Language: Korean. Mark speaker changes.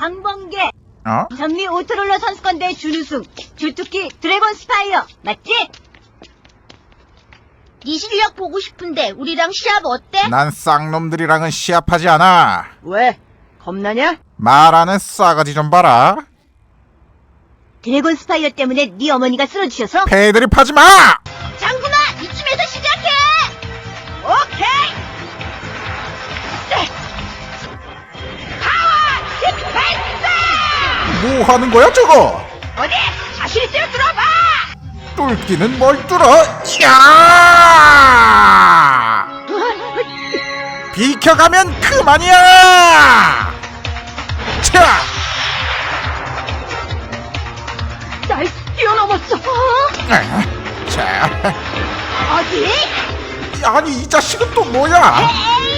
Speaker 1: 강범계.
Speaker 2: 어?
Speaker 1: 전미 오토롤러 선수권대회 준우승. 주특기 드래곤 스파이어. 맞지?
Speaker 3: 네 실력 보고 싶은데 우리랑 시합 어때?
Speaker 2: 난 쌍놈들이랑은 시합하지 않아.
Speaker 4: 왜? 겁나냐?
Speaker 2: 말하는 싸가지 좀 봐라.
Speaker 1: 드래곤 스파이어 때문에 네 어머니가 쓰러지셔서?
Speaker 2: 패드립 하지 마!
Speaker 3: 장군아, 이쯤에서 시작해!
Speaker 4: 오케이! 파워! 디펜스!
Speaker 2: 뭐 하는 거야 저거?
Speaker 4: 어디? 자신 있으면 들어봐!
Speaker 2: 뚫기는 뭘 뚫어? 야! 비켜가면 그만이야! 차!
Speaker 4: 날 뛰어넘었어!
Speaker 2: 자,
Speaker 4: 어디?
Speaker 2: 아니 이 자식은 또 뭐야?
Speaker 3: 에이,